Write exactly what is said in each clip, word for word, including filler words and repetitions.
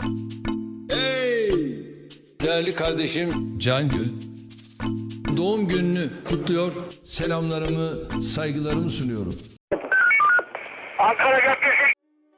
Hey! Değerli kardeşim Cangül, doğum gününü kutluyor, selamlarımı, saygılarımı sunuyorum. Ankara Caddesi.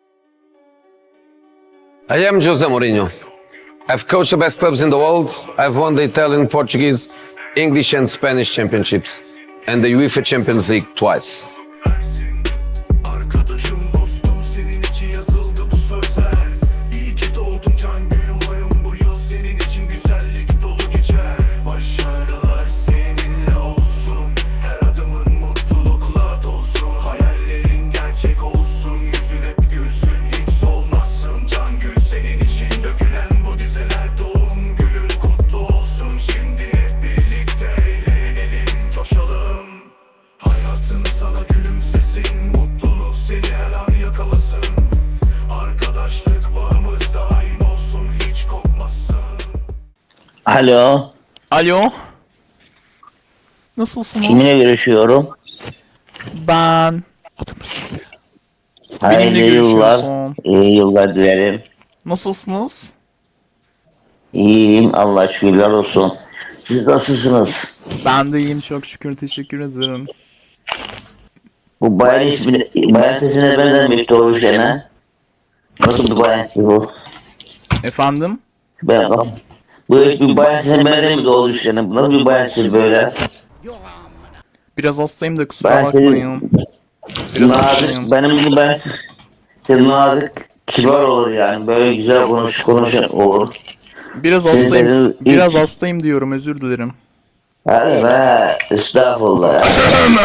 I am Jose Mourinho. I've coached the best clubs in the world. I've won the Italian, Portuguese, English and Spanish championships and the UEFA Champions League twice. Arkadaşım dostum senin için yazıldı bu sözler. İyi ki doğdun Cangül, umarım bu yıl senin için güzellik dolu geçer. Başarılar seninle olsun, her adımın mutlulukla dolsun. Hayallerin gerçek olsun, yüzün hep gülsün, hiç solmazsın. Cangül, senin için dökülen bu dizeler, doğum günün kutlu olsun. Şimdi hep birlikte eğlenelim, coşalım. Hayatın sana gülümsesin, mutluluk seni her an yakalasın. Arkadaşlık bağımız daim olsun, hiç kopmasın. Alo, Alo. Nasılsınız? kiminle görüşüyorum? Ben. Adımız neydi? Hayırlı Benimle yıllar, görüşüyorsun. iyi yıllar dilerim. Nasılsınız? İyiyim, Allah şükürler olsun. Siz nasılsınız? Ben de iyiyim, çok şükür, teşekkür ederim. Bu bayan ismi, bayan sesine benzemiş doğru şeyine. Nasıl bir bayan sesi bu? Efendim? Ben, bu bir bayan sesine benzemiş doğru şeyine. Nasıl bir bayan sesi böyle? Biraz hastayım da kusura Ben bakmayın. Biraz Nazik, hastayım. benim gibi ben senin nazik, kibar olur yani. Böyle güzel konuş, konuşan olur. Biraz Sizlerin hastayım. ilk- Biraz hastayım diyorum, özür dilerim. Hadi be, estağfurullah ya.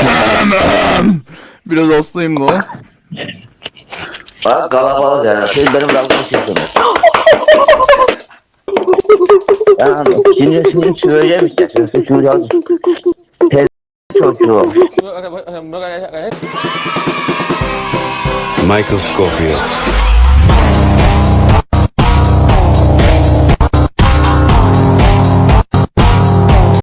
Biraz hastayım da. Bak kalabalık yani. Siz benim dalga geçiyorsunuz. Yani şimdi şimdi söyleyeceğim işte. Söyleyeceğim. Tez çocuğu. Michael Scofield.